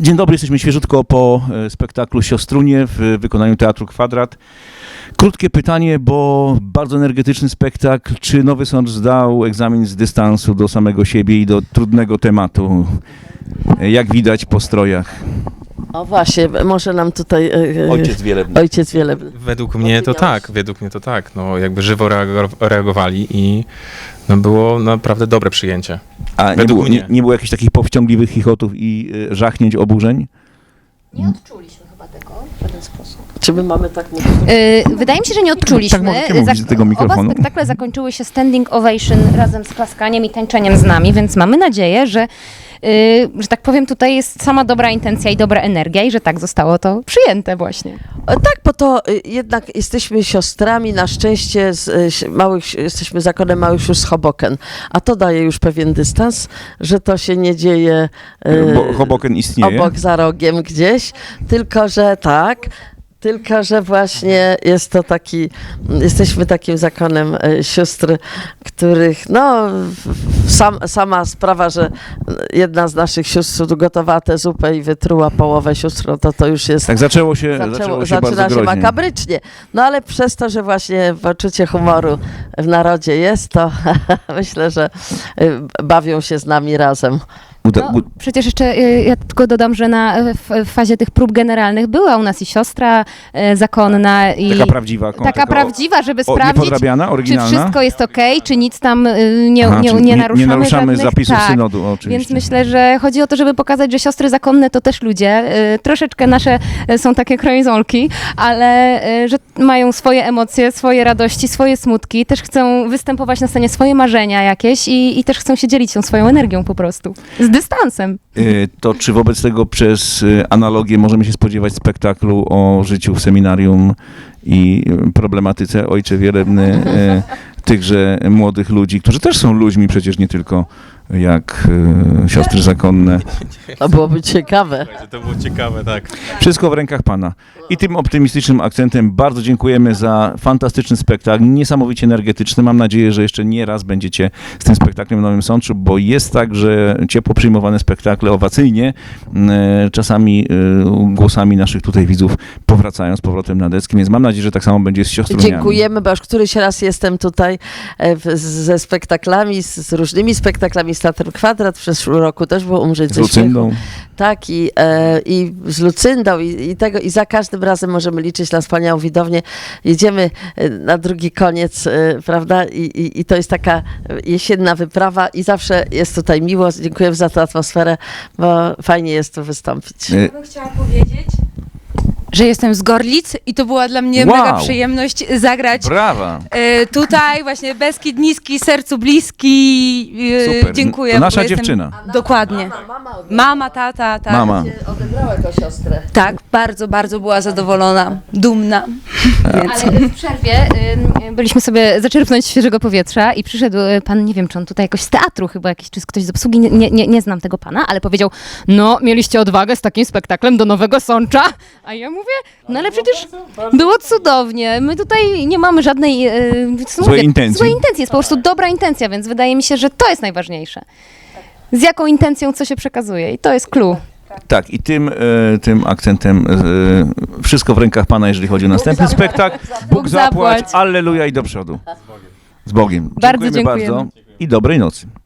Dzień dobry, jesteśmy świeżutko po spektaklu Siostrunie w wykonaniu Teatru Kwadrat. Krótkie pytanie, bo bardzo energetyczny spektakl. Czy Nowy Sącz zdał egzamin z dystansu do samego siebie i do trudnego tematu? Jak widać po strojach. O właśnie, może nam tutaj Ojciec Wielebny. Ojciec Wielebny. Według mnie to tak. No, jakby żywo reagowali i no, było naprawdę dobre przyjęcie. A nie było jakichś takich powściągliwych chichotów i żachnięć, oburzeń? Nie odczuliśmy chyba tego w żaden sposób. Czy my mamy tak mówić? Wydaje mi się, że nie odczuliśmy. Tak możecie mówić z tego mikrofonu. Oba spektakle zakończyły się standing ovation razem z klaskaniem i tańczeniem z nami, więc mamy nadzieję, że tak powiem, tutaj jest sama dobra intencja i dobra energia i że tak zostało to przyjęte właśnie. Tak, bo to jednak jesteśmy siostrami, na szczęście jesteśmy zakonem małych sióstr z Hoboken, a to daje już pewien dystans, że to się nie dzieje Bo Hoboken istnieje. obok za rogiem gdzieś, tylko że właśnie jest to jesteśmy takim zakonem sióstr, których, no, sama sprawa, że jedna z naszych sióstr gotowała tę zupę i wytruła połowę sióstr, no to już jest... Tak, zaczęło się Zaczyna bardzo się groźnie. makabrycznie. No ale przez to, że właśnie poczucie humoru w narodzie jest, to myślę, że bawią się z nami razem. No, przecież jeszcze ja tylko dodam, że w fazie tych prób generalnych była u nas i siostra zakonna. I Taka prawdziwa. taka prawdziwa, żeby sprawdzić, niepodrabiana, czy oryginalna? wszystko jest okej, czy nic tam nie naruszamy. Nie naruszamy żadnych, zapisów tak. synodu, oczywiście. Więc myślę, że chodzi o to, żeby pokazać, że siostry zakonne to też ludzie. Troszeczkę nasze są takie krojzolki, ale że mają swoje emocje, swoje radości, swoje smutki. Też chcą występować na scenie, swoje marzenia jakieś i też chcą się dzielić tą swoją energią po prostu. Z dystansem. To czy wobec tego przez analogię możemy się spodziewać spektaklu o życiu w seminarium i problematyce Ojcze Wielebny tychże młodych ludzi, którzy też są ludźmi przecież nie tylko jak siostry zakonne. To byłoby ciekawe. To było ciekawe, tak. Wszystko w rękach Pana. I tym optymistycznym akcentem bardzo dziękujemy za fantastyczny spektakl, niesamowicie energetyczny. Mam nadzieję, że jeszcze nie raz będziecie z tym spektaklem w Nowym Sączu, bo jest tak, że ciepło przyjmowane spektakle owacyjnie, czasami głosami naszych tutaj widzów powracają z powrotem na deski, więc mam nadzieję, że tak samo będzie z siostruniami. Dziękujemy, bo już któryś raz jestem tutaj ze spektaklami, z różnymi spektaklami z Teatrem Kwadrat. W zeszłym roku też było Umrzeć Z ze Lucyndą. śmiechu. Tak, i z Lucyndą i za każdym razem możemy liczyć na wspaniałą widownię. Jedziemy na drugi koniec, prawda? I to jest taka jesienna wyprawa i zawsze jest tutaj miło. Dziękujemy za tę atmosferę, bo fajnie jest tu wystąpić. Ja bym chciała powiedzieć, że jestem z Gorlic i to była dla mnie Wow. mega przyjemność zagrać Brawa! tutaj właśnie Beskid Niski, sercu bliski. Super. Dziękuję. To nasza bo jestem- dziewczyna. Dokładnie. Mama, tata, tak. Mama. Odebrała jako siostrę. Tak, bardzo, bardzo była zadowolona, dumna. Ale w przerwie byliśmy sobie zaczerpnąć świeżego powietrza i przyszedł pan, nie wiem, czy on tutaj jakoś z teatru chyba jakiś, czy ktoś z obsługi, nie znam tego pana, ale powiedział, no mieliście odwagę z takim spektaklem do Nowego Sącza, a ja mówię, no ale przecież było cudownie, my tutaj nie mamy żadnej Złej intencji. złej intencji, jest po prostu dobra intencja, więc wydaje mi się, że to jest najważniejsze. Z jaką intencją co się przekazuje i to jest clue. Tak, i tym akcentem wszystko w rękach Pana, jeżeli chodzi o następny spektakl. Bóg zapłać, zapłać. alleluja i do przodu. Z Bogiem. Bardzo Dziękujemy dziękujemy. bardzo i dobrej nocy.